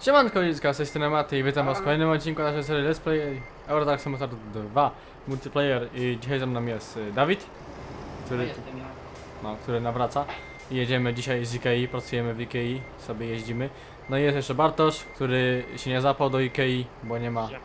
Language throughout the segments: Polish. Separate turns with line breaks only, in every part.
Siemanko Lidzka, z tej strony Maty i witam was w kolejnym odcinku naszej serii Let's Play Euro Truck Simulator 2 Multiplayer i dzisiaj ze mną jest Dawid, który nawraca i jedziemy dzisiaj z Ikei, pracujemy w Ikei, sobie jeździmy. No i jest jeszcze Bartosz, który się nie zapał do Ikei, bo nie ma.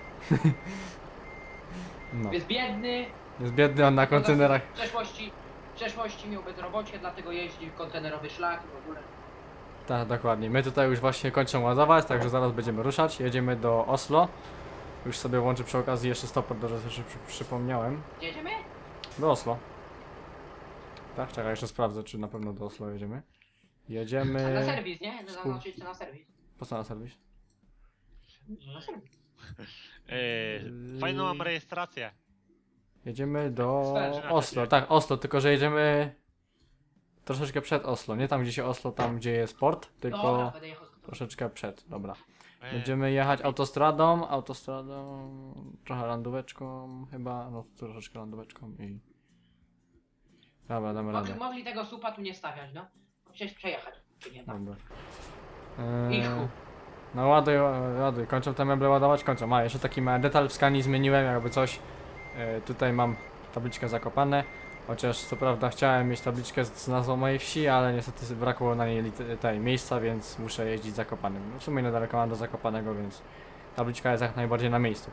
No.
Jest biedny.
Jest biedny, on na kontenerach.
W przeszłości miał bezrobocie, dlatego jeździ w kontenerowy szlak i w ogóle.
Tak, dokładnie. My tutaj już właśnie kończymy ładować, także zaraz będziemy ruszać. Jedziemy do Oslo. Już sobie włączę przy okazji jeszcze stoper, do że przypomniałem.
Gdzie jedziemy?
Do Oslo. Tak, czekaj, jeszcze sprawdzę, czy na pewno do Oslo jedziemy. Jedziemy...
Na serwis, nie? Zaznaczyć na serwis.
Po co na serwis?
Na serwis.
Fajną mam rejestrację.
Jedziemy do
Sferzy na
Oslo,
czacie.
tak, Oslo, tylko że jedziemy troszeczkę przed Oslo, nie tam gdzie się Oslo, tam gdzie jest port,
Dobra,
tylko
będę jechał z kontenerem.
troszeczkę przed, dobra. Będziemy jechać autostradą, trochę landóweczką chyba, no troszeczkę landóweczką i... Dobra, damy radę.
Mogli tego supa tu nie stawiać, no. Przecież przejechać się nie da.
Dobra.
I chuj.
No ładuj, ładuj, kończą te meble ładować, kończą. A, jeszcze taki mały detal w skani zmieniłem, jakby coś. Tutaj mam tabliczkę Zakopane, chociaż co prawda chciałem mieć tabliczkę z nazwą mojej wsi, ale niestety brakło na niej tej miejsca, więc muszę jeździć Zakopanym. No, w sumie niedaleko mam do Zakopanego, więc tabliczka jest jak najbardziej na miejscu.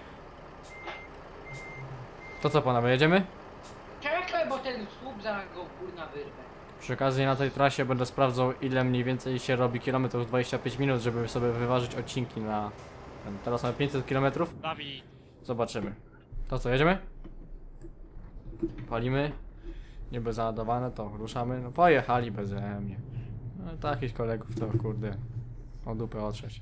To co panowie, jedziemy?
Czekaj, bo ten słup zaraz go kurna wyrwę.
Przy okazji na tej trasie będę sprawdzał, ile mniej więcej się robi kilometrów 25 minut, żeby sobie wyważyć odcinki na... Teraz mamy 500 km.
Dawid.
Zobaczymy. To co, jedziemy? Palimy. Niby załadowane, to ruszamy. No pojechali beze mnie. No takich kolegów to kurde o dupę otrzeć.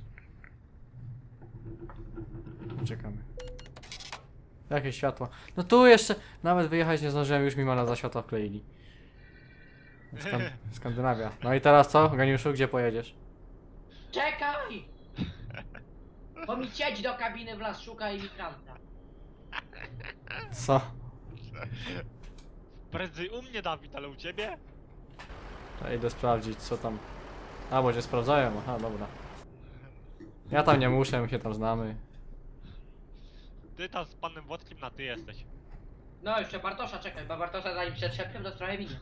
Czekamy. Jakieś światło. No tu jeszcze nawet wyjechać nie zdążyłem, już mi mana za światła wkleili. Skandynawia. No i teraz co, Geniuszu, gdzie pojedziesz?
Czekaj! Bo mi siedź do kabiny wlazł, szuka imigranta.
Co?
Prędzej u mnie, Dawid, ale u ciebie?
Ja idę sprawdzić co tam. A, bo cię sprawdzają, aha, dobra. Ja tam nie muszę, my się tam znamy.
Ty tam z panem Włodkiem na ty jesteś.
No jeszcze Bartosza czekaj, bo Bartosza zanim przetrzepię, to trochę minie.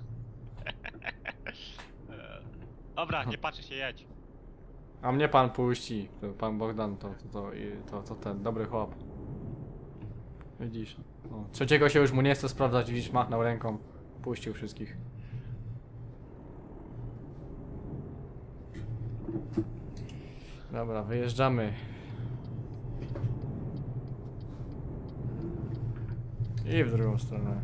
Dobra, nie patrzę się, jedź.
A mnie pan puści, to pan Bogdan, to ten dobry chłop. Widzisz, no. Trzeciego się już mu nie chce sprawdzać, widzisz, machnął ręką, puścił wszystkich. Dobra, wyjeżdżamy. I w drugą stronę.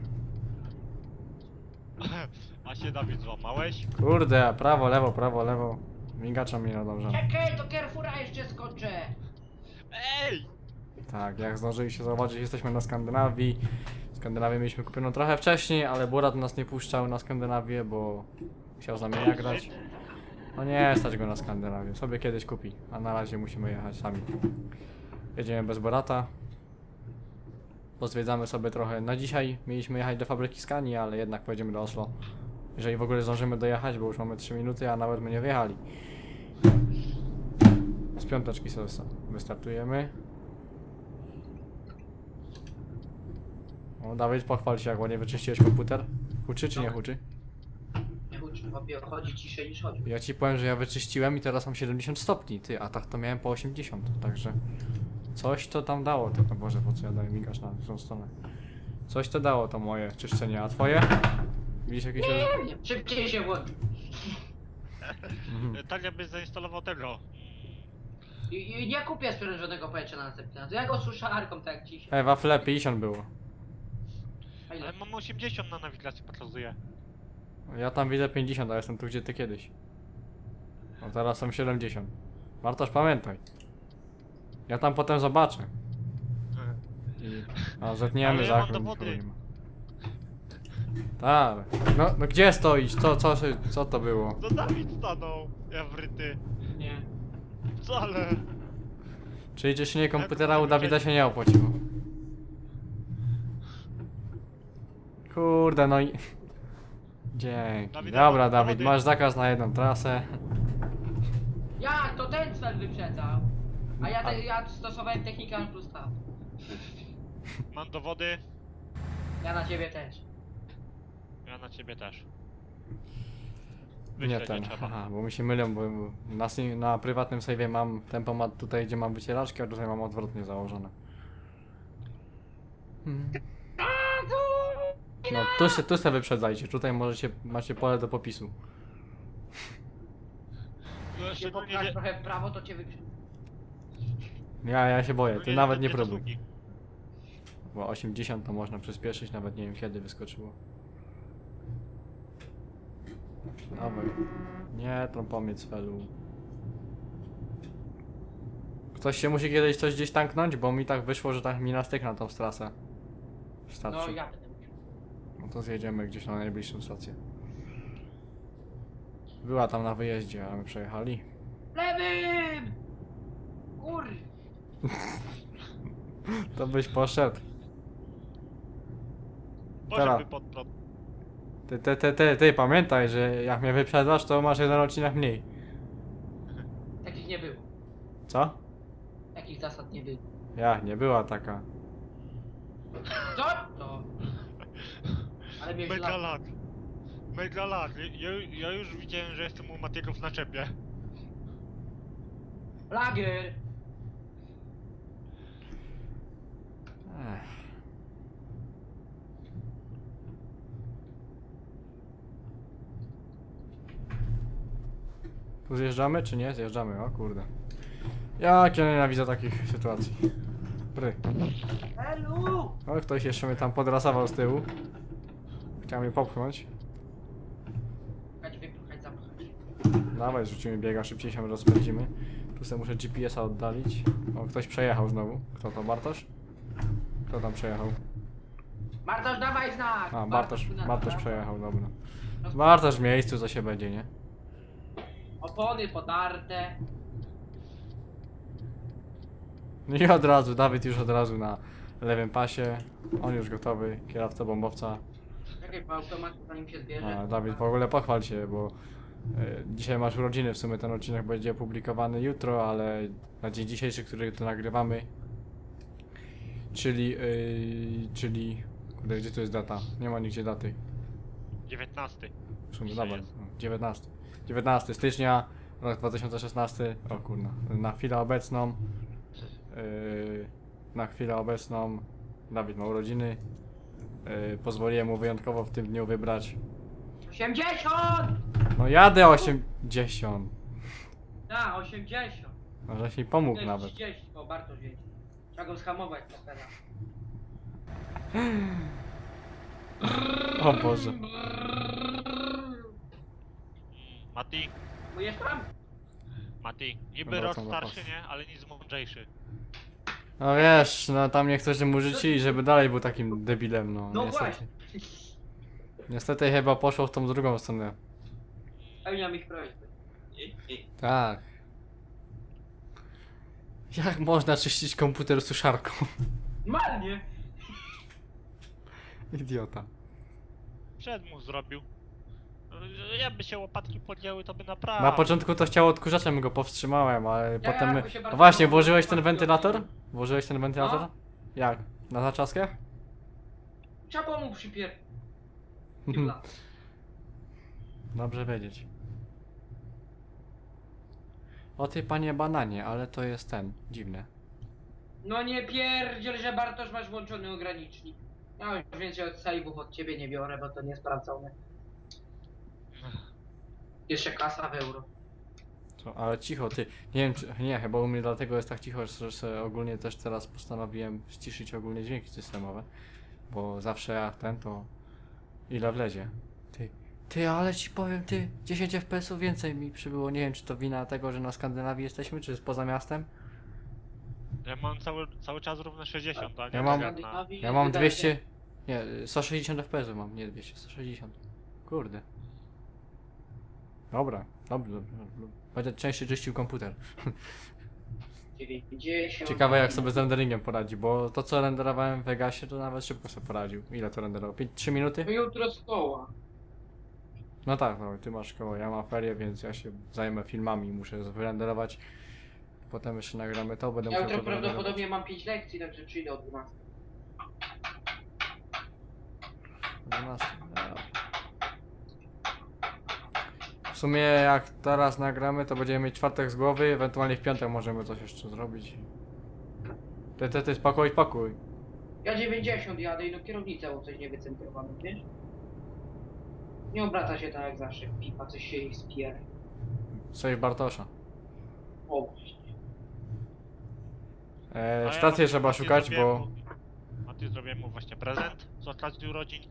A się, Dawid, złamałeś?
Kurde, prawo, lewo. Migacza mi nadąża.
Czekaj, do Carrefoura jeszcze skoczę!
Ej!
Tak, jak zdążyliście zauważyć, jesteśmy na Skandynawii. Skandynawię mieliśmy kupioną trochę wcześniej, ale Burat nas nie puszczał na Skandynawię, bo chciał z nami grać. No nie stać go na Skandynawię, sobie kiedyś kupi, a na razie musimy jechać sami. Jedziemy bez Borata. Pozwiedzamy sobie trochę. Na dzisiaj mieliśmy jechać do fabryki Skani, ale jednak pojedziemy do Oslo. Jeżeli w ogóle zdążymy dojechać, bo już mamy 3 minuty, a nawet my nie wjechali. Z piąteczki sobie wystartujemy. O, Dawid, pochwal się, jak ładnie wyczyściłeś komputer. Huczy czy nie huczy?
Nie uczy, chłopie, chodzi ciszej niż chodzi.
Ja ci powiem, że ja wyczyściłem i teraz mam 70 stopni, ty, a tak to miałem po 80, także... Coś to tam dało, to, no Boże, po co ja daję migasz na tą stronę. Coś to dało to moje czyszczenie, a twoje? Widzisz jakieś...
Nie, szybciej się włączy.
Mhm.
Byś zainstalował tego.
I nie kupię sprężonego powietrza na następny raz. Ja go suszarką tak jak dzisiaj.
Wafle 50 było.
A ile?
Ale mam 80 na nawigacji pokazuje.
Ja tam widzę 50, a jestem tu gdzie ty kiedyś. No teraz są 70. Wartoż pamiętaj. Ja tam potem zobaczę. A zetniemy
Ale ja mam
zakręt.
dowody.
nikogo nie ma. Tak. No gdzie stoisz? Co to było?
To Dawid stanął, ja wryty.
Nie.
Wcale.
Czyli czyszczenie komputera u Dawida się nie opłaciło. Kurde, no i... Dzięki.
Dawid,
Dobra,
mam
Dawid,
dowody.
masz zakaz na jedną trasę.
Jak to ten Axel wyprzedzał. A ja stosowałem technikę N plus K.
Mam dowody,
Ja na ciebie też.
ja na ciebie też.
Nie
Wyśleć
ten,
trzeba.
aha, bo mi się mylą, bo na prywatnym save'ie mam tempomat tutaj, gdzie mam wycieraczkę, a tutaj mam odwrotnie założone. No, tu se wyprzedzajcie, tutaj macie pole do popisu.
No,
Jak się
szczególnie,
popchasz
że...
trochę w prawo, to cię wyprzedzę.
Ja się boję, ty
szczególnie,
nawet
że
nie
te
próbuj.
sługi.
Bo 80 to można przyspieszyć, nawet nie wiem kiedy wyskoczyło. Dawaj. Nie, trąpomiec felu. Ktoś się musi kiedyś coś gdzieś tanknąć, bo mi tak wyszło, że tak mi nastyk na tą trasę.
No
Starczy.
ja będę musiał.
No to zjedziemy gdzieś na najbliższą stację. Była tam na wyjeździe, a my przejechali.
Lewym! Kur...
To byś poszedł.
Poszedłby
Teraz.
pod prąd.
Ty, pamiętaj, że jak mnie wyprzedzasz, to masz jeden odcinek mniej.
Takich nie było.
Co?
Takich zasad nie było.
Ja, nie była taka.
Co? To... Ale mnie
Mega
źle.
lag. Mega lag. Ja już widziałem, że jestem u Matiego w naczepie.
Lager!
Ech. Tu zjeżdżamy, czy nie? Zjeżdżamy, o kurde. Jak ja nienawidzę takich sytuacji. Bry.
Helu!
O, ktoś jeszcze mnie tam podrasował z tyłu. Chciał mnie popchnąć.
Chodź wypchać, zapchać.
Dawaj, zrzucimy biega, szybciej się rozpędzimy. Tu sobie muszę GPS-a oddalić. O, ktoś przejechał znowu. Kto to, Bartosz? Kto tam przejechał?
Bartosz, dawaj znak!
A, Bartosz
tu na dole.
przejechał, dobra.
Roz-
Bartosz w miejscu, co się będzie, nie?
Opony podarte.
No i od razu, Dawid już od razu na lewym pasie. On już gotowy, kierowca bombowca.
Czekaj, po automacie zanim się zbierze.
A, Dawid, w ogóle pochwal się, bo dzisiaj masz urodziny, w sumie ten odcinek będzie opublikowany jutro, ale na dzień dzisiejszy, który to nagrywamy, czyli, kurde, gdzie tu jest data? Nie ma nigdzie daty.
19.
W sumie,
Dzisiaj
dobra,
jest.
19 stycznia, rok 2016, o kurna, na chwilę obecną, Dawid ma urodziny, pozwoliłem mu wyjątkowo w tym dniu wybrać,
80!
no jadę 80,
Da, 80.
no żeś mi pomógł
Nie,
nawet.
30, bo Bartosz jedzie. Trzeba go schamować teraz.
O Boże.
Mati,
Mówisz tam?
Mati. Niby
Dobra,
rok
co na
starszy,
pas.
nie? Ale nic mądrzejszy.
No wiesz, no tam niektórzy mu życzyli, żeby dalej był takim debilem, no,
No
niestety.
właśnie.
Niestety chyba poszło w tą drugą stronę.
Spełniam ich prośby.
Tak. Jak można czyścić komputer suszarką?
Normalnie.
Idiota.
Przed mu zrobił. Jakby się łopatki podjęły, to by naprawdę.
Na początku to chciał odkurzaczem, go powstrzymałem, ale
Ja,
potem...
bo się
No
bardzo
właśnie,
mało
włożyłeś ten
łopatki
wentylator?
odbiło.
Włożyłeś ten wentylator?
No.
Jak? Na zaczaskach?
Trzeba mu przypier...
Dobrze wiedzieć. O ty panie bananie, ale to jest ten, dziwne.
No nie pierdziel, że Bartosz masz włączony ogranicznik. Ja już więcej od save'ów od ciebie nie biorę, bo to niesprawdzone. Jeszcze kasa w euro.
Co? Ale cicho, ty. Nie wiem, czy... Nie, chyba u mnie dlatego jest tak cicho, że sobie ogólnie też teraz postanowiłem ściszyć ogólnie dźwięki systemowe. Bo zawsze jak ten, to... Ile wlezie. Ty, ale ci powiem, 10 FPS-ów więcej mi przybyło. Nie wiem, czy to wina tego, że na Skandynawii jesteśmy, czy poza miastem?
Ja mam cały czas równe 60, a nie
Ja mam-
tak jak na...
Ja mam 200... Nie, 160 FPS-ów mam, nie 200, 160. Kurde. Dobra, dobrze. Będę częściej czyścił komputer.
90.
Ciekawe jak sobie z renderingiem poradzi, bo to co renderowałem w Vegasie to nawet szybko sobie poradził. Ile to renderowało? 3 minuty?
No jutro szkoła.
No tak, no, ty masz szkołę, ja mam ferie, więc ja się zajmę filmami, muszę wyrenderować Potem jeszcze nagramy to, będę
Ja
musiał
jutro
to doładować.
prawdopodobnie mam 5 lekcji, także przyjdę o 12.
12, dobra. W sumie jak teraz nagramy, to będziemy mieć czwartek z głowy, ewentualnie w piątek możemy coś jeszcze zrobić. Ty, spokój.
Ja 90 jadę i do kierownicy o coś nie wycentrowany, wiesz? Nie obraca się tak jak zawsze, pipa coś się jej spier.
Save Bartosza.
O, właśnie.
A ja
Stację trzeba
Mati
szukać,
zrobiłem
bo...
mu- Mati zrobiłem mu właśnie prezent z okazji urodzin.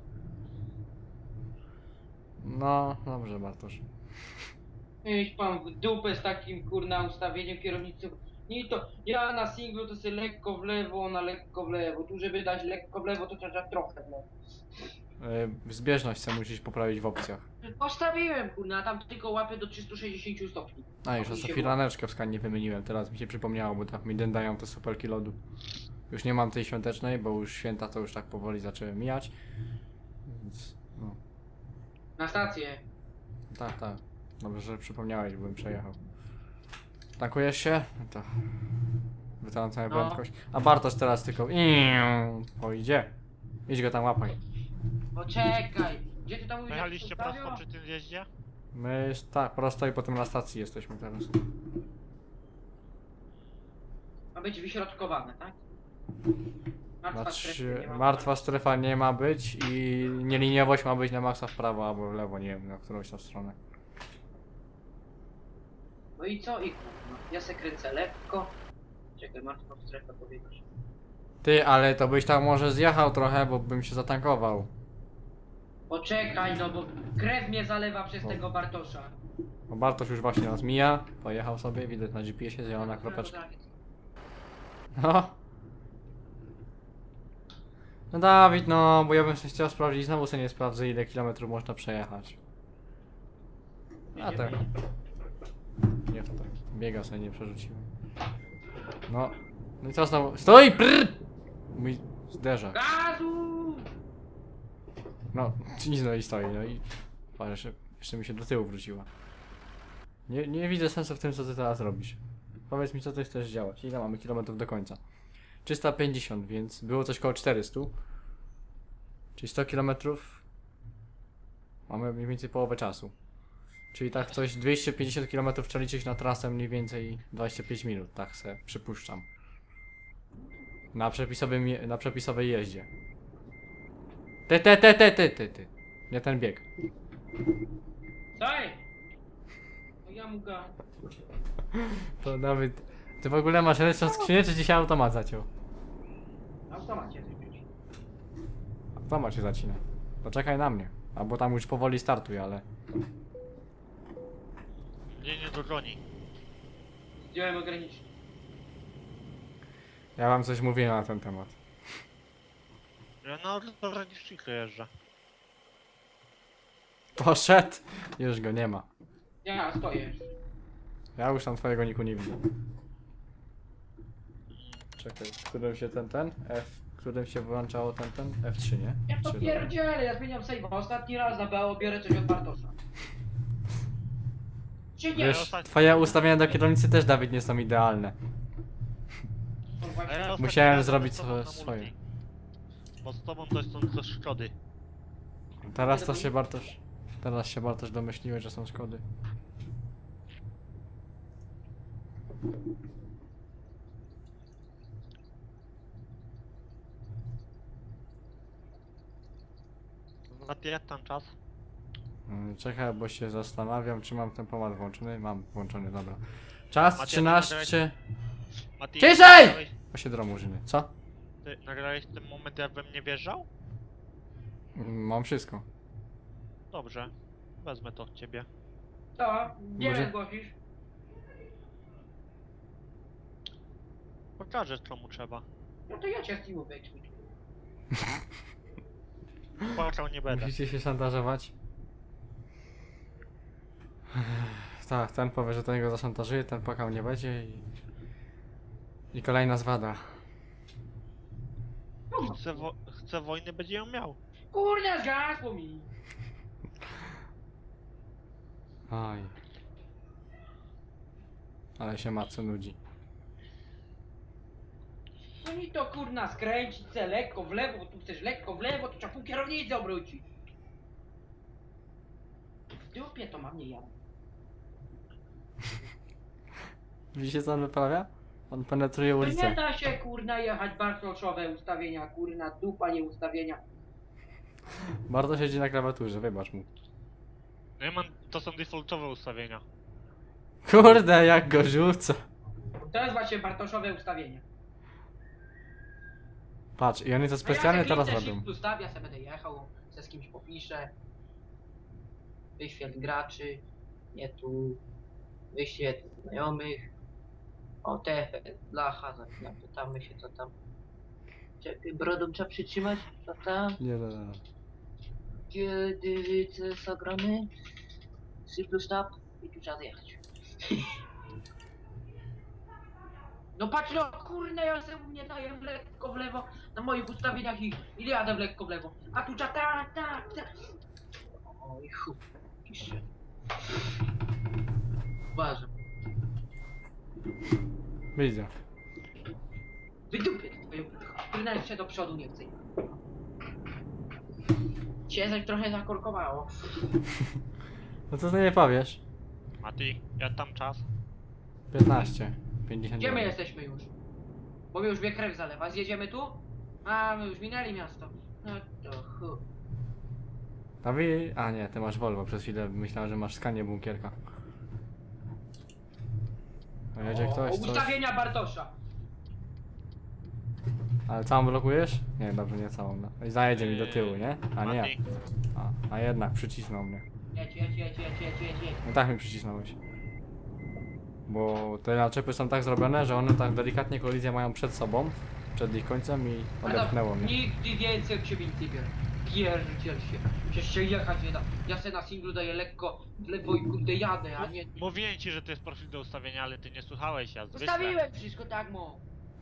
No, dobrze Bartosz.
Iść pan w dupę z takim kurna ustawieniem kierownicy. Nie to, ja na singlu to sobie lekko w lewo, ona lekko w lewo. Tu żeby dać lekko w lewo, to trzeba trochę w lewo.
Zbieżność se musisz poprawić w opcjach.
Postawiłem kurna, tam tylko łapę do 360 stopni.
A już
Mi się
to firaneczkę w skanie wymieniłem, teraz mi się przypomniało, bo tak mi dają te supelki lodu. Już nie mam tej świątecznej, bo już święta to już tak powoli zaczęły mijać. Więc, no.
Na stację.
Tak. Dobrze, że przypomniałeś, bym przejechał. Tankujesz się? No to... Wytalam całą
No.
prędkość. A Bartosz teraz tylko... Pojdzie. Idź go tam łapaj.
Poczekaj. Gdzie ty tam mówisz? jak
Jechaliście
się
prosto
ustawią?
przy tym zjeździe?
My tak, prosto i potem na stacji jesteśmy teraz.
Ma być wyśrodkowane, tak? Martwa strefa nie ma.
Martwa strefa nie ma być i nieliniowość ma być na maksa w prawo albo w lewo, nie wiem, na którąś tam stronę.
No i co? I kurwa. Ja se kręcę lekko. Czekaj, martwą strefę powiedzieć.
Ty, ale to byś tam może zjechał trochę, bo bym się zatankował.
Poczekaj, no bo krew mnie zalewa przez
O.
tego Bartosza.
Bo Bartosz już właśnie nas mija, pojechał sobie, widać na GPS-ie zielona kropeczka. No. No Dawid, no, bo ja bym się chciał sprawdzić, znowu sobie nie sprawdzę ile kilometrów można przejechać. A tak. Nie to tak. Biega sobie nie przerzuciłem. No. No i co znowu? Stój! Prrr! Mój zderzak.
Gazu!
No, nic no i stoi, no i... Patrz, jeszcze mi się do tyłu wróciła. Nie widzę sensu w tym, co ty teraz robisz. Powiedz mi, co ty chcesz działać. Ile mamy kilometrów do końca? 350, więc było coś koło 400. Czyli 100 kilometrów. Mamy mniej więcej połowę czasu. Czyli tak coś 250 km trzeba liczyć na trasę mniej więcej 25 minut, tak se przypuszczam. Na przepisowej jeździe. Ty. Nie ten bieg.
Daj! No ja mu ga...
To Dawid, ty w ogóle masz ręczną skrzynię, czy dzisiaj automat zaciął?
Na automacie zrobić.
Automat się zacina. Poczekaj na mnie. Albo tam już powoli startuj, ale...
Mnie nie dogoni.
Zdjąłem ogranicznik.
Ja wam coś mówiłem na ten temat.
Ja na ograniczniku jeżdżę.
Poszedł! Już go nie ma.
Ja stoję.
Ja już tam twojego niku nie widzę. Czekaj, w którym się ten? W którym się wyłączało ten? F3, nie?
Ja to
F3,
pierdzielę, ja zmieniam save'a. Ostatni raz na BO biorę coś od Bartosza. Czy nie?
Wiesz, twoje ustawienia do kierownicy też, Dawid, nie są idealne.
No
A
właśnie.
ja ostatnio
Musiałem
jadę
zrobić
z tobą na
swoje.
multi. Bo z tobą to są ze Szkody.
Teraz się Bartosz domyśliłeś, że są szkody.
Mati, jak tam czas?
Czekaj, bo się zastanawiam, czy mam tempomat włączony. Mam włączony, dobra. Czas
Macie
13...
Mati,
Ciszej!
nagrałeś-
8 murzyny. Co?
Ty nagrałeś ten moment, jak we mnie wjeżdżał?
Mam wszystko.
Dobrze. Wezmę to od ciebie.
Co? Gdzie
Może-
mnie zgłosisz?
Pokażę, komu trzeba.
No to ja cię z teamu wyeksploituję.
Płakał nie będę.
Musicie się szantażować. Tak, ten powie, że ten go zaszantażuje, ten płakał nie będzie i kolejna zwada.
Chce wojny, będzie ją miał.
Kurnia, zgasło mi!
Oj. Ale się matce nudzi.
No i to kurna skręcić se lekko w lewo, bo tu chcesz lekko w lewo, to trzeba pół kierownicy obrócić. W dupie to mam nie jadę.
Widzicie co on wyprawia? On penetruje
To nie
ulicę.
da się kurna jechać bartoszowe ustawienia, kurna dupa nie ustawienia.
Bardzo siedzi na klawiaturze, wybacz mu.
No ja mam, to są defaultowe ustawienia.
Kurde, jak go rzuca.
To jest właśnie bartoszowe ustawienie.
Patrz, i oni to specjalnie teraz robią.
Shift ustawia, ja sobie będę jechał, se z kimś popiszę. Wyświetl graczy, nie tu. Wyświetl znajomych. O, te blacha, zapytamy się co tam. Czekaj, brodą trzeba przytrzymać, co tam?
Nie, nie, nie.
Kiedy widzę zagramy? Syplu stop i tu trzeba zjechać. No patrz no, kurde, ja sobie u mnie daję lekko w lewo na moich ustawieniach i jadę w lekko w lewo. A tu trzeba tak. Oj chuj, pisze. Uważam.
Widzę.
Wydupię twoją kurna jeszcze do przodu nie chcę. Cię zaś trochę zakorkowało.
No co ty nie powiesz?
A ty, ja tam czas?
15. 50.
Gdzie my jesteśmy już? Bo mi już mnie krew zalewa. Zjedziemy tu? A, my już minęli miasto. No to chu.
A nie, ty masz Volvo, przez chwilę myślałem, że masz skanie bunkierka. A jedzie ktoś, coś?
Ustawienia Bartosza.
Ale całą blokujesz? Nie, dobrze, nie całą. No. I zajedzie mi do tyłu, nie? A nie.
Mati,
A jednak przycisnął mnie.
Jedź.
No tak mi przycisnąłeś. Bo te naczepy są tak zrobione, że one tak delikatnie kolizję mają przed sobą, przed ich końcem i odepchnęło mnie.
Nigdy więcej od ciebie nic nie biorę. Pierdziel się. Przecież się jechać nie da. Ja se na singlu daję lekko w lewo i kurde jadę, a nie...
mówiłem ci, że to jest profil do ustawienia, ale ty nie słuchałeś, ja zwykle.
Ustawiłem wszystko tak, mo.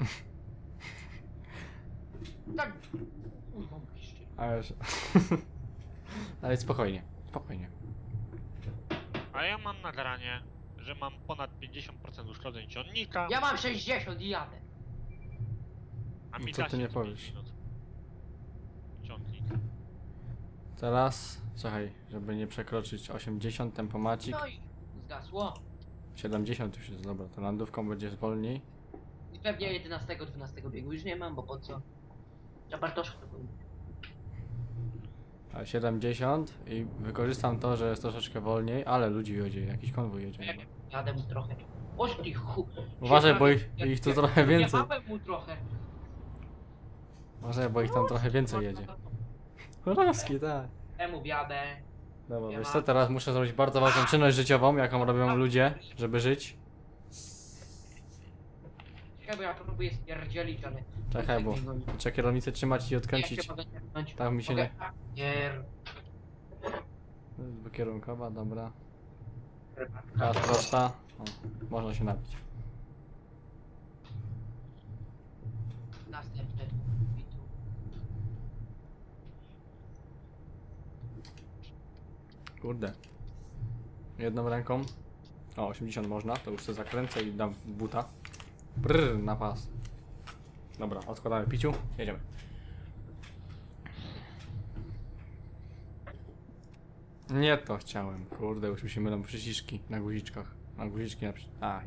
Tak. Kurwa, piszczy.
Ale... Ale spokojnie, spokojnie.
A ja mam nagranie, że mam ponad 50% uszkodzeń ciągnika,
Ja mam 60 i jadę.
a mi
Co
da
ty
się
nie
co pięć
powiesz?
minut. Ciągnik.
Teraz, czekaj, żeby nie przekroczyć 80 tempomacik.
No i zgasło.
70 już jest, dobra, to landówką będzie wolniej.
I pewnie 11-12 biegu już nie mam, bo po co? Ja Bartoszka to był.
A 70 i wykorzystam to, że jest troszeczkę wolniej, ale ludzi jedzie, jakiś konwój jedzie.
Nie wiem, jadę mu trochę. Oż ty chu.
Uważaj, bo
Ja-
ich tu
ja-
trochę więcej.
Jechałem mu trochę.
Uważaj, bo ich tam trochę więcej jedzie. Chorowski, tak.
Temu wjadę.
Dobra,
Nie
wiesz
ma.
co, teraz muszę zrobić bardzo ważną czynność życiową, jaką robią ludzie, żeby żyć.
Czekaj, bo ja próbuję stwierdzić, ale...
Czekaj, bo trzeba kierownicę trzymać i
Ja
odkręcić.
się mogę tepnąć.
Tak mi się
Mogę-
nie...
Nie.
Dwukierunkowa, dobra. Teraz prosta. O, można się napić.
Następne. I tu.
Kurde. Jedną ręką. O, 80 można, to już sobie zakręcę i dam w buta. Brrr, na pas. Dobra, odkładamy piciu, jedziemy. Nie to chciałem, kurde, już mi się mylą przyciski na guziczkach. Na guziczki na A,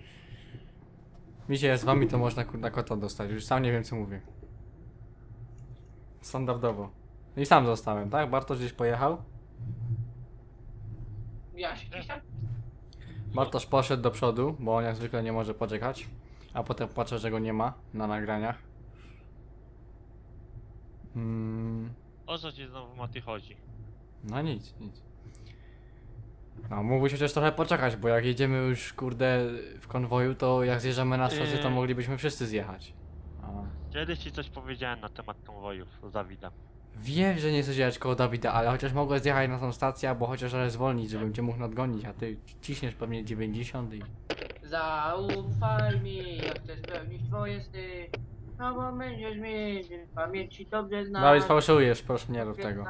mi się z wami to można kurna kota dostać, już sam nie wiem co mówię. Standardowo. I sam zostałem, tak? Bartosz gdzieś pojechał.
Ja się gdzieś tam...
Bartosz poszedł do przodu, bo on jak zwykle nie może poczekać. A potem patrzę, że go nie ma na nagraniach.
O co ci znowu Mati chodzi?
No nic. No mógłbyś chociaż trochę poczekać, bo jak jedziemy już kurde w konwoju, to jak zjeżdżamy na stację, to moglibyśmy wszyscy zjechać. A.
Kiedyś ci coś powiedziałem na temat konwojów z Dawidem.
Wiem, że nie chcesz jechać koło Dawida, ale chociaż mogę zjechać na tą stację, albo chociaż ale zwolnić, żebym cię mógł nadgonić, a ty ciśniesz pewnie 90 i...
Zaufaj mi, jak chcesz spełnić twoje sny. No bo będziesz mieć w pamięci dobrze znasz.
Dawid, fałszujesz, proszę nie rób tego.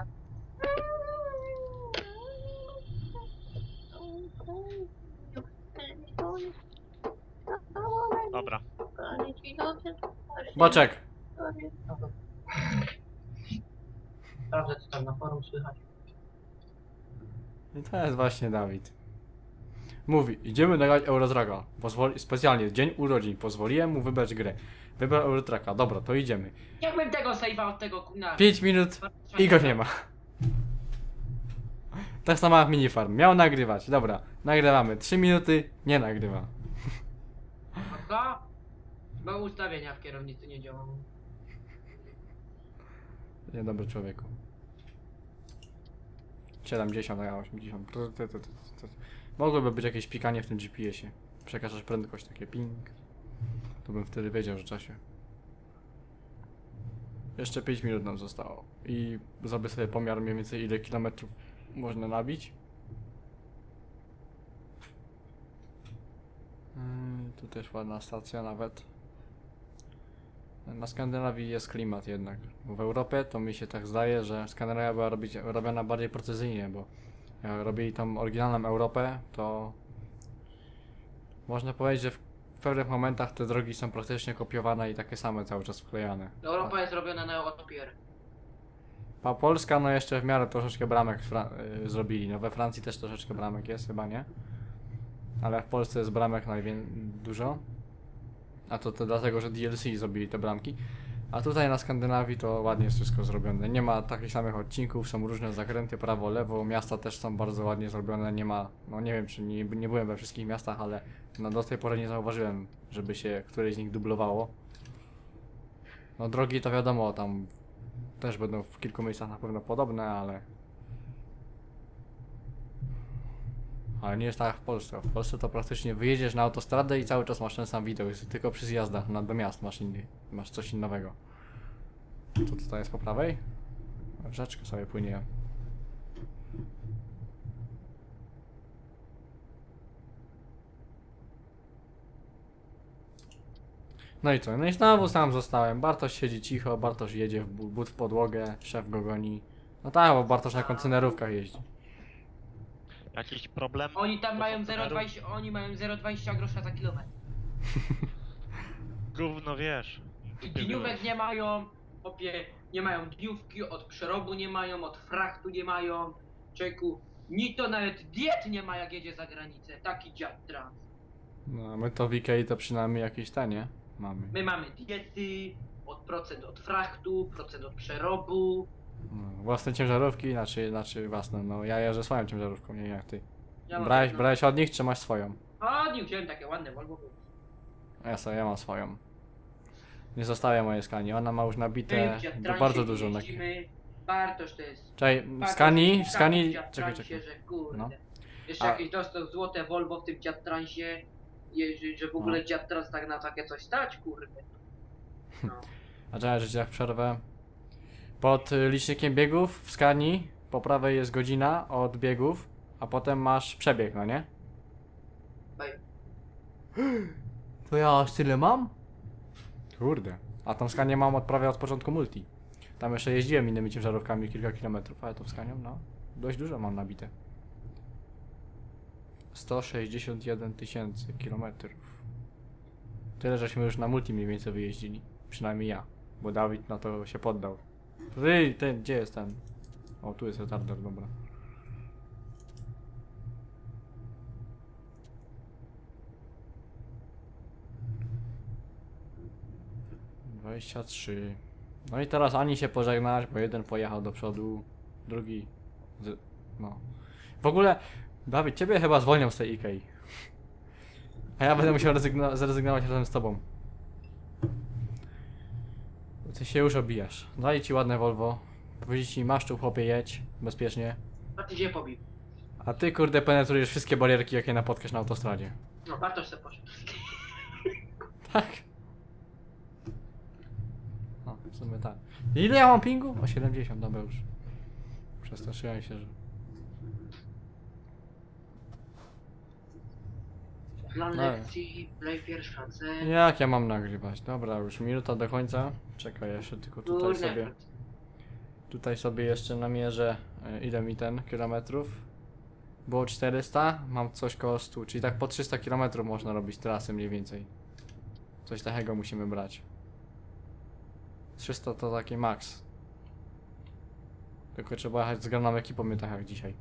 Dobra.
Boczek.
Sprawdzę, co tam na forum słychać.
I to jest właśnie Dawid. Mówi, idziemy nagrać Eurotraka. Specjalnie, dzień urodzin. Pozwoliłem mu wybrać grę. Wybrał Eurotraka. Dobra, to idziemy.
Jakbym tego save'a od tego kuna.
5 minut i go nie ma. Tak samo jak minifarm. Miał nagrywać. Dobra, nagrywamy. 3 minuty, nie nagrywa.
Co? Bo ustawienia w kierownicy nie działają.
Niedobry człowieku. 70, a ja 80. Mogłoby być jakieś pikanie w tym GPS-ie. Przekażesz prędkość, takie ping. To bym wtedy wiedział, że czasie. Jeszcze 5 minut nam zostało. I zrobię sobie pomiar mniej więcej ile kilometrów można nabić. Tu też ładna stacja nawet. Na Skandynawii jest klimat jednak. Bo w Europie to mi się tak zdaje, że Skandynawia była robiona bardziej precyzyjnie, bo jak robili tam oryginalną Europę, to można powiedzieć, że w pewnych momentach te drogi są praktycznie kopiowane i takie same cały czas wklejane.
Europa jest robiona na Europier.
A Polska no jeszcze w miarę troszeczkę bramek zrobili. No we Francji też troszeczkę bramek jest chyba, nie? Ale w Polsce jest bramek dużo. A to dlatego, że DLC zrobili te bramki. A tutaj na Skandynawii to ładnie jest wszystko zrobione. Nie ma takich samych odcinków, są różne zakręty prawo, lewo. Miasta też są bardzo ładnie zrobione. Nie ma, no nie wiem czy nie byłem we wszystkich miastach, ale no do tej pory nie zauważyłem, żeby się któreś z nich dublowało. No drogi to wiadomo, tam też będą w kilku miejscach na pewno podobne, ale nie jest tak jak w Polsce. W Polsce to praktycznie wyjedziesz na autostradę i cały czas masz ten sam widok, jest tylko przy zjazdach do miast masz coś innego. Co tutaj jest po prawej? Rzeczka sobie płynie. No i co? No i znowu sam zostałem. Bartosz siedzi cicho, Bartosz jedzie w but w podłogę, szef go goni. No tak, bo Bartosz na kontenerówkach jeździ.
Jakiś problem?
Oni tam
Do
mają
konteneru?
0,20, oni mają 0,20 grosza za kilometr.
Gówno wiesz.
I dniówek nie mają, opie, nie mają dniówki, od przerobu nie mają, od frachtu nie mają. Czeku, ni to nawet diet nie ma jak jedzie za granicę, taki dziad trans.
No, a my to w Ikei to przynajmniej jakieś tanie mamy.
My mamy diety, procent od frachtu, procent od przerobu.
No, własne ciężarówki, znaczy własne, no ja jeżdżę swoją ciężarówką, nie jak ty.
Ja mam
Brałeś,
jedno.
brałeś od nich, czy masz swoją?
A, nie wziąłem takie ładne Volvo.
Ja mam swoją. Nie zostawię mojej skani, ona ma już nabite bardzo dużo na...
jeździmy. Bartosz to jest.
Czekaj, w
Bartosz
skani,
w
czekaj,
transie,
czekaj.
że kurde.
No.
Jeszcze
A-
jakieś dostał złote Volvo w tym dziad transie. Że w ogóle
No.
dziad trans tak na takie coś stać, kurde. No.
A czekaj, że ci tak przerwę. Pod licznikiem biegów w skani po prawej jest godzina od biegów, a potem masz przebieg, no nie?
Oj.
To ja aż tyle mam? Kurde. A tą skanię mam prawie od początku multi. Tam jeszcze jeździłem innymi ciężarówkami kilka kilometrów, ale tą skanią, no, dość dużo mam nabite. 161 000 kilometrów. Tyle, żeśmy już na multi mniej więcej wyjeździli. Przynajmniej ja, bo Dawid na to się poddał. Gdzie jest ten? O, tu jest retarder, dobra. ...23... No i teraz ani się pożegnać, bo jeden pojechał do przodu, drugi... No... W ogóle... Dawid, ciebie chyba zwolnią z tej Ikei. A ja będę musiał zrezygnować razem z tobą. Ty się już obijasz. Daj ci ładne Volvo. Powiedzieć ci, masz tu chłopie, jedź. Bezpiecznie.
A ty się pobił.
A ty kurde penetrujesz wszystkie barierki, jakie napotkasz na autostradzie.
No, Bartosz se poszedł.
Tak. No, w sumie tak. Ile ja mam pingu? O 70, dobra już. Przestraszyłem się, że...
Plan
No.
lekcji, play pierwsza C.
Jak ja mam nagrywać? Dobra, już minuta do końca. Czekaj, jeszcze tylko tutaj
Kurde.
sobie... Tutaj sobie jeszcze namierzę, ile mi ten kilometrów. Było 400, mam coś koło 100, czyli tak po 300 km można robić trasy mniej więcej. Coś takiego musimy brać. 300 to taki maks. Tylko trzeba jechać z graną ekipą, nie tak jak dzisiaj.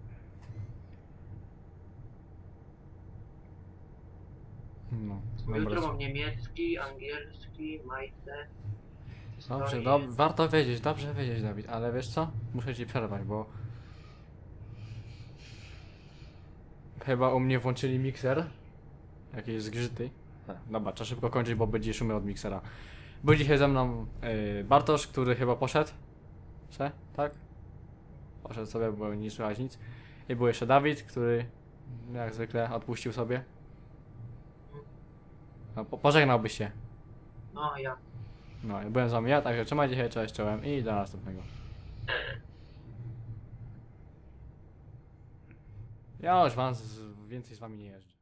No,
Jutro
dobra.
mam niemiecki, angielski, majce.
Dobrze,
historię.
warto wiedzieć, dobrze wiedzieć, Dawid, ale wiesz co? Muszę ci przerwać, bo chyba u mnie włączyli mikser. Jakieś zgrzyty. Dobra, trzeba szybko kończyć, bo będzie szumy od miksera. Był dzisiaj ze mną Bartosz, który chyba poszedł. Tak? Poszedł sobie, bo nie słychać nic. I był jeszcze Dawid, który jak zwykle odpuścił sobie. No, pożegnałbyś się.
No ja.
No, i byłem z wami ja, także trzymajcie się, cześć, czołem i do następnego. Ja już więcej z wami nie jeżdżę.